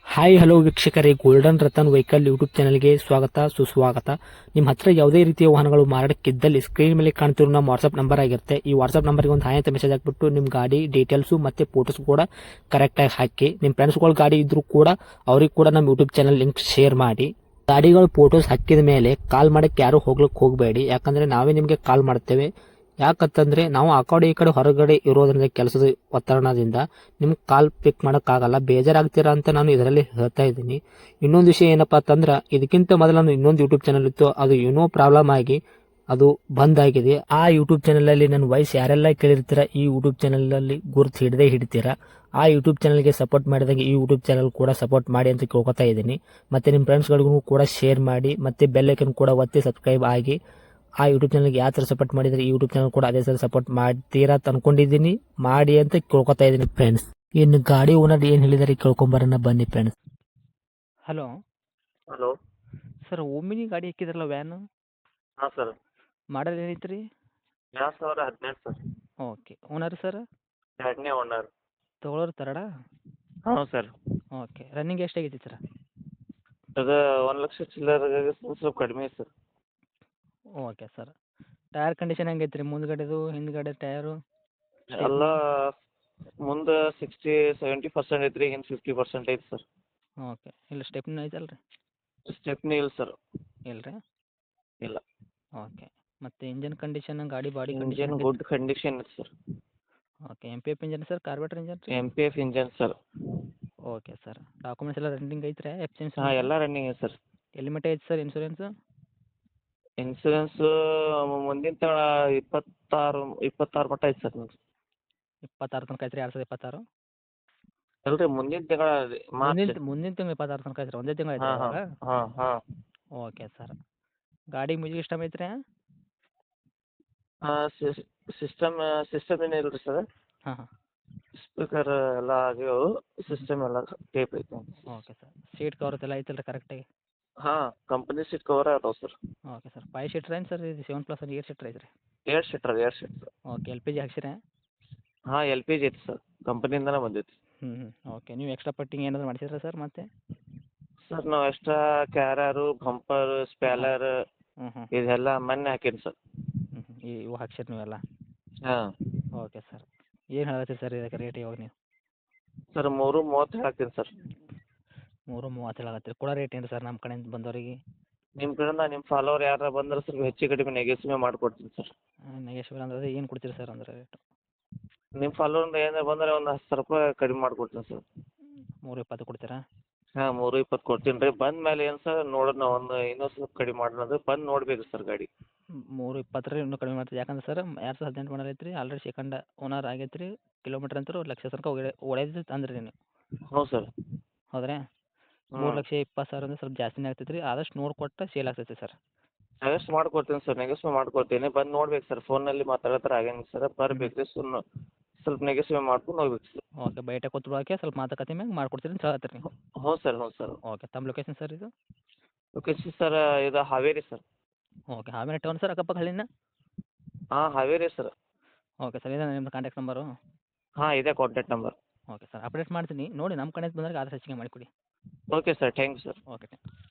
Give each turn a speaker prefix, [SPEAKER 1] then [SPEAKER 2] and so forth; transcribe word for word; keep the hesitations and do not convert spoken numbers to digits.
[SPEAKER 1] Hi hello ವೀಕ್ಷಕರೇ, golden Ratan vehicle YouTube ಚಾನಲ್ಗೆ ಸ್ವಾಗತ ಸುಸ್ವಾಗತ. ನಿಮ್ಮ ಹತ್ರ ಯಾವುದೇ ರೀತಿಯ ವಾಹನಗಳು ಮಾರಾಟಕ್ಕಿದ್ದಲ್ಲಿ ಸ್ಕ್ರೀನ್ ಮೇಲೆ ಕಾಣ್ತಿರೋ ನಮ್ಮ ವಾಟ್ಸ್ಆಪ್ ನಂಬರ್ ಆಗಿರುತ್ತೆ. ಈ ವಾಟ್ಸ್ಆಪ್ ನಂಬರ್ಗೆ ಒಂದು ಹಾಯ್ ಅಂತ ಮೆಸೇಜ್ ಹಾಕ್ಬಿಟ್ಟು ನಿಮ್ಮ ಗಾಡಿ ಡೀಟೇಲ್ಸು ಮತ್ತೆ ಫೋಟೋಸ್ ಕೂಡ ಕರೆಕ್ಟಾಗಿ ಹಾಕಿ. ನಿಮ್ಮ ಫ್ರೆಂಡ್ಸ್ಗಳ ಗಾಡಿ ಇದ್ರೂ ಕೂಡ ಅವ್ರಿಗೆ ಕೂಡ ನಮ್ಮ ಯೂಟ್ಯೂಬ್ ಚಾನಲ್ ಲಿಂಕ್ ಶೇರ್ ಮಾಡಿ. ಗಾಡಿಗಳು ಫೋಟೋಸ್ ಹಾಕಿದ ಮೇಲೆ ಕಾಲ್ ಮಾಡಕ್ಕೆ ಯಾರು ಹೋಗ್ಲಿಕ್ಕೆ ಹೋಗಬೇಡಿ, ಯಾಕಂದ್ರೆ ನಾವೇ ನಿಮಗೆ ಕಾಲ್ ಮಾಡ್ತೇವೆ. ಯಾಕಂತಂದ್ರೆ ನಾವು ಆ ಕಡೆ ಈ ಕಡೆ ಹೊರಗಡೆ ಇರೋದ್ರಿಂದ ಕೆಲಸದ ಒತ್ತಡದಿಂದ ನಿಮ್ಗೆ ಕಾಲ್ ಪಿಕ್ ಮಾಡೋಕ್ಕಾಗಲ್ಲ, ಬೇಜಾರಾಗ್ತೀರಾ ಅಂತ ನಾನು ಇದರಲ್ಲಿ ಹೇಳ್ತಾ ಇದ್ದೀನಿ. ಇನ್ನೊಂದು ವಿಷಯ ಏನಪ್ಪಾ ಅಂತಂದ್ರೆ, ಇದಕ್ಕಿಂತ ಮೊದಲು ನಾನು ಇನ್ನೊಂದು ಯೂಟ್ಯೂಬ್ ಚಾನಲ್ ಇತ್ತು, ಅದು ಏನೋ ಪ್ರಾಬ್ಲಮ್ ಆಗಿ ಅದು ಬಂದ್ ಆಗಿದೆ. ಆ ಯೂಟ್ಯೂಬ್ ಚಾನಲ್ ಅಲ್ಲಿ ನನ್ನ ವಾಯ್ಸ್ ಯಾರೆಲ್ಲ ಕೇಳಿರ್ತೀರಾ, ಈ ಯೂಟ್ಯೂಬ್ ಚಾನಲ್ ಅಲ್ಲಿ ಗುರುತು ಹಿಡದೆ ಹಿಡಿತೀರಾ. ಆ ಯೂಟ್ಯೂಬ್ ಚಾನಲ್ಗೆ ಸಪೋರ್ಟ್ ಮಾಡಿದಾಗ ಈ ಯೂಟ್ಯೂಬ್ ಚಾನಲ್ ಕೂಡ ಸಪೋರ್ಟ್ ಮಾಡಿ ಅಂತ ಕೇಳ್ಕೊತಾ ಇದ್ದೀನಿ. ಮತ್ತೆ ನಿಮ್ಮ ಫ್ರೆಂಡ್ಸ್ಗಳಿಗೂ ಕೂಡ ಶೇರ್ ಮಾಡಿ, ಮತ್ತೆ ಬೆಲ್ ಐಕನ್ ಕೂಡ ಒತ್ತಿ ಸಬ್ಸ್ಕ್ರೈಬ್ ಆಗಿ. ಆ ಯೂಟ್ಯೂಬ್ ಚಾನಲ್ಗೆ ಯಾವ ಥರ ಸಪೋರ್ಟ್ ಮಾಡಿದರೆ ಈ ಯೂಟ್ಯೂಬ್ ಚಾನಲ್ ಕೂಡ ಅದೇ ಥರ ಸಪೋರ್ಟ್ ಮಾಡ್ತೀರಾ ಅಂತ ಅನ್ಕೊಂಡಿದ್ದೀನಿ. ಮಾಡಿ ಅಂತ ಕೇಳ್ಕೊತಾ ಇದ್ದೀನಿ ಫ್ರೆಂಡ್ಸ್. ಇನ್ನು ಗಾಡಿ ಓನರ್ ಏನು ಹೇಳಿದಾರೆ ಕೇಳ್ಕೊಂಬರೋಣ ಬನ್ನಿ friends. Hello
[SPEAKER 2] hello.
[SPEAKER 1] Sir, Omni ಗಾಡಿ ಹಾಕಿದ್ರಲ್ಲ ವ್ಯಾನು,
[SPEAKER 2] ಹಾಂ ಸರ್.
[SPEAKER 1] ಮಾಡಲ್ ಏನೈತೆ ರೀ?
[SPEAKER 2] ಎರಡು ಸಾವಿರ ಹದಿನೆಂಟು ಸರ್.
[SPEAKER 1] ಓಕೆ. Owner sir?
[SPEAKER 2] ಎರಡನೇ ಓನರ್.
[SPEAKER 1] ತೊಗೊಳೋರು ತರಡಾ?
[SPEAKER 2] ಹಾಂ ಸರ್.
[SPEAKER 1] ಓಕೆ. ರನ್ನಿಂಗ್ ಎಷ್ಟಾಗೈತಿ ಸರ್?
[SPEAKER 2] ಅದು ಒಂದು ಲಕ್ಷ ಚಿಲ್ಲರೆಗೆ ಸ್ವಲ್ಪ ಕಡಿಮೆ ಐತೆ sir.
[SPEAKER 1] Okay sir. Tyre condition ಹೆಂಗೈತೆ ರೀ? ಮುಂದ್ಗಡೆದು ಹಿಂದ್ಗಡೆ ಟೈರು?
[SPEAKER 2] ಎಲ್ಲ ಮುಂದೆ ಸಿಕ್ಸ್ಟಿ ಸೆವೆಂಟಿ ಪರ್ಸೆಂಟ್ ಐತೆ ರೀ, ಹಿಂದೆ ಫಿಫ್ಟಿ ಪರ್ಸೆಂಟ್ ಐತೆ ಸರ್.
[SPEAKER 1] ಓಕೆ. ಇಲ್ಲ ಸ್ಟೆಪ್ನಿ ಐತಲ್ಲ ರೀ?
[SPEAKER 2] ಸ್ಟೆಪ್ನಿ ಇಲ್ಲ ಸರ್.
[SPEAKER 1] ಇಲ್ಲ ರೀ?
[SPEAKER 2] ಇಲ್ಲ.
[SPEAKER 1] ಓಕೆ. ಮತ್ತು ಇಂಜನ್ ಕಂಡೀಷನ್, ಗಾಡಿ body
[SPEAKER 2] engine
[SPEAKER 1] condition?
[SPEAKER 2] Good condition ಇದೆ sir.
[SPEAKER 1] Okay. M P F engine sir, carburettor engine ರೀ?
[SPEAKER 2] M P F engine sir.
[SPEAKER 1] Okay sir. Documents ಎಲ್ಲ ರನ್ನಿಂಗ್ ಐತ್ರಿ? ಎಫ್ ಸಿ
[SPEAKER 2] ಹಾಂ, ಎಲ್ಲ ರನ್ನಿಂಗ್ ಇದೆ ಸರ್.
[SPEAKER 1] ಎಲ್ಲಿ ಮಟ್ಟ ಐತೆ ಸರ್ ಇನ್ಸೂರೆನ್ಸು?
[SPEAKER 2] ಇನ್ಸೂರೆನ್ಸು ಮುಂದಿನ ತಿಂಗಳ ಇಪ್ಪತ್ತಾರು ಇಪ್ಪತ್ತಾರು ಮಟ್ಟ ಐತೆ ಸರ್.
[SPEAKER 1] ಇಪ್ಪತ್ತಾರು ತನಕ ಐತ್ರಿ? ಎರಡು ಸಾವಿರದ ಇಪ್ಪತ್ತಾರು?
[SPEAKER 2] ಅಲ್ರಿ, ಮುಂದಿನ ತಿಂಗಳ ಮಾರ್ಚ್.
[SPEAKER 1] ಮುಂದಿನ ಮುಂದಿನ ತಿಂಗಳು ಇಪ್ಪತ್ತಾರು ತನಕ ಐತ್ರಿ? ಒಂದೇ ತಿಂಗಳು ಐತ್ರಿ
[SPEAKER 2] ಹಾಂ ಹಾಂ
[SPEAKER 1] ಅವಾಗ?
[SPEAKER 2] ಹಾಂ ಹಾಂ.
[SPEAKER 1] Okay sir. ಗಾಡಿ ಮ್ಯೂಸಿಕ್ ಸಿಸ್ಟಮ್ ಐತ್ರಿ?
[SPEAKER 2] ಹಾಂ, ಸಿಸ್ಟಮ್ ಸಿಸ್ಟಮ್ ಏನು ಇಲ್ಲ ರೀ ಸರ್.
[SPEAKER 1] ಹಾಂ ಹಾಂ.
[SPEAKER 2] ಸ್ಪೀಕರ್ ಎಲ್ಲ ಆಗ್ಯಾವು, ಸಿಸ್ಟಮ್ ಎಲ್ಲ ಟೇಪ್ ಐತೆ.
[SPEAKER 1] Okay sir. ಸೀಟ್ ಕವರ್ಸ್ ಎಲ್ಲ ಐತಲ್ಲ ರೀ ಕರೆಕ್ಟಾಗಿ?
[SPEAKER 2] ಹಾಂ, ಕಂಪನಿ ಸೀಟ್ ಕವರ್ ಅದಾವೆ sir.
[SPEAKER 1] Okay sir. Five seater ಏನು ಸರ್ ಇದು? ಸೆವೆನ್ ಪ್ಲಸ್ ಏಟ್ ಸೀಟ್ರ್ ಐತ್ರಿ?
[SPEAKER 2] ಏಳು ಸೀಟ್ರ್ ಏಳು seater.
[SPEAKER 1] Okay. L P G ಹಾಕ್ಸಿರಾ?
[SPEAKER 2] ಹಾಂ, ಎಲ್ ಪಿ ಜಿ ಐತಿ ಸರ್, ಕಂಪನಿಯಿಂದನೇ ಬಂದೈತಿ.
[SPEAKER 1] ಹ್ಞೂ ಹ್ಞೂ. ಓಕೆ. ನೀವು ಎಕ್ಸ್ಟ್ರಾ ಪಟ್ಟಿಂಗ್ ಏನಾದರೂ ಮಾಡಿಸಿದ್ರಾ ಸರ್ ಮತ್ತೆ?
[SPEAKER 2] ಸರ್, ನಾವು ಎಕ್ಸ್ಟ್ರಾ ಕ್ಯಾರರು, ಬಂಪರ್, ಸ್ಪ್ಯಾಲರ್
[SPEAKER 1] ಹ್ಞೂ ಹ್ಞೂ.
[SPEAKER 2] ಇದೆಲ್ಲ ಮೊನ್ನೆ ಹಾಕೀನಿ ಸರ್.
[SPEAKER 1] ಹ್ಞೂ ಹ್ಞೂ. ಇವು ಹಾಕ್ಸಿರಿ ನೀವೆಲ್ಲ?
[SPEAKER 2] ಹಾಂ.
[SPEAKER 1] Okay sir. ಏನು ಹೇಳತ್ತೀರಿ ಸರ್ ಇದಕ್ಕೆ ರೇಟ್ ಇವಾಗ ನೀವು?
[SPEAKER 2] ಸರ್, ಮೂರು ಮೂವತ್ತು ಹಾಕ್ತೀನಿ ಸರ್.
[SPEAKER 1] ಮೂರು ಮೂವತ್ತು ಹೇಳತ್ತೀರಿ. ಕೊಡೋ ರೇಟ್ ಏನು ಸರ್ ನಮ್ಮ ಕಡೆಯಿಂದ ಬಂದವರಿಗೆ?
[SPEAKER 2] ನಿಮ್ಮ ಕಡೆಯಿಂದ ನಿಮ್ಮ ಫಾಲೋವರ್ ಯಾರು ಬಂದ್ರೆ ಸ್ವಲ್ಪ ಹೆಚ್ಚು ಕಡಿಮೆ ನೆಗೆಸಿಮೆ ಮಾಡಿಕೊಡ್ತೀನಿ ಸರ್.
[SPEAKER 1] ನೆಗೆಶ್ವಲ್ ಅಂದ್ರೆ ಏನು ಕೊಡ್ತೀರಿ ಸರ್ ಅಂದ್ರೆ ರೇಟು?
[SPEAKER 2] ನಿಮ್ಮ ಫಾಲೋವರಿಂದ ಏನಾರು ಬಂದರೆ ಒಂದು ಹತ್ತು ಸಾವಿರ ರೂಪಾಯಿ ಕಡಿಮೆ ಮಾಡಿಕೊಡ್ತೀನಿ ಸರ್.
[SPEAKER 1] ಮೂರು ಇಪ್ಪತ್ತು ಕೊಡ್ತೀರಾ?
[SPEAKER 2] ಹಾಂ, ಮೂರು ಇಪ್ಪತ್ತು ಕೊಡ್ತೀನಿ ರೀ. ಬಂದ ಮೇಲೆ ಏನು ಸರ್ ನೋಡೋಣ, ಒಂದು ಇನ್ನೊಂದು ಸ್ವಲ್ಪ ಕಡಿಮೆ ಮಾಡೋಣ ಅಂದ್ರೆ ಬಂದು ನೋಡಬೇಕು ಸರ್ ಗಾಡಿ.
[SPEAKER 1] ಮೂರು ಇಪ್ಪತ್ತರ ಇನ್ನೂ ಕಡಿಮೆ ಮಾಡ್ತೀವಿ. ಯಾಕಂದ್ರೆ ಸರ್ ಎರಡು ಸಾವಿರದ ಹದಿನೆಂಟು ಮಾಡಲ್ ಐತ್ರಿ, ಆಲ್ರೆಡಿ ಸೆಕೆಂಡ್ ಓನರ್ ಆಗೈತೆ ರೀ. ಕಿಲೋಮೀಟ್ರ್ ಅಂತೂ ಲಕ್ಷ ತನಕ ಒಡೆ ಹೊಡೆದೈತೆ ಅಂದ್ರಿ ನೀವು?
[SPEAKER 2] ಹ್ಞೂ ಸರ್.
[SPEAKER 1] ಹೌದ್ರಾ? ಮೂರು ಲಕ್ಷ ಇಪ್ಪತ್ತು ಸಾವಿರ ಅಂದ್ರೆ ಸ್ವಲ್ಪ ಜಾಸ್ತಿನೇ ಆಗ್ತೈತೆ ರೀ. ಆದಷ್ಟು ನೋಡ್ಕೊಟ್ಟು ಸೇಲ್ ಆಗ್ತೈತೆ ಸರ್.
[SPEAKER 2] ನೆಗೆಸ್ಟ್ ಮಾಡ್ಕೊಡ್ತೀನಿ ಸರ್, ನೆಗೆಸ್ಟಿವ್ ಮಾಡ್ಕೊಡ್ತೀನಿ. ಬಂದು ನೋಡ್ಬೇಕು ಸರ್, ಫೋನಲ್ಲಿ ಮಾತಾಡೋ ಥರ ಆಗಂಗಿಲ್ಲ ಸರ್. ಬರ್ಬೇಕು ರೀ, ಸುಮ್ಮನೆ ಸ್ವಲ್ಪ ನೆಗೆಸ್ಟಿವ್ ಮಾಡ್ಕೊಂಡು ಹೋಗ್ಬೇಕು ಸರ್.
[SPEAKER 1] ಓಕೆ. ಬೈಟ ಕೂತ್ಕೊಳ್ಳೋಕೆ ಸ್ವಲ್ಪ ಮಾತುಕತೆ ಮ್ಯಾಗ ಮಾಡ್ಕೊಡ್ತೀರಿ ಅಂತ ಹೇಳತ್ತೀರಿ ನೀವು?
[SPEAKER 2] ಹ್ಞೂ ಸರ್, ಹ್ಞೂ ಸರ್.
[SPEAKER 1] ಓಕೆ. ತಮ್ಮ ಲೊಕೇಶನ್ ಸರ್ ಇದು?
[SPEAKER 2] ಲೊಕೇಶನ್ ಸರ್ ಇದು Haveri sir.
[SPEAKER 1] Okay. Haveri town sir, ಅಕ್ಕಪಕ್ಕ ಹಳ್ಳಿನ?
[SPEAKER 2] ಹಾಂ, ಹಾವೇರಿ ಸರ್.
[SPEAKER 1] Okay sir. ಇದೇ ನಿಮ್ಮದು ಕಾಂಟ್ಯಾಕ್ಟ್ ನಂಬರು?
[SPEAKER 2] ಹಾಂ, ಇದೇ contact number.
[SPEAKER 1] Okay sir. Update ಮಾಡ್ತೀನಿ ನೋಡಿ, ನಮ್ಮ ಕಡೆಯಿಂದ ಬಂದಾಗ ಆದಷ್ಟು ಹೆಚ್ಚಿಗೆ ಮಾಡಿಕೊಡಿ.
[SPEAKER 2] Okay sir, thank you sir.
[SPEAKER 1] Okay.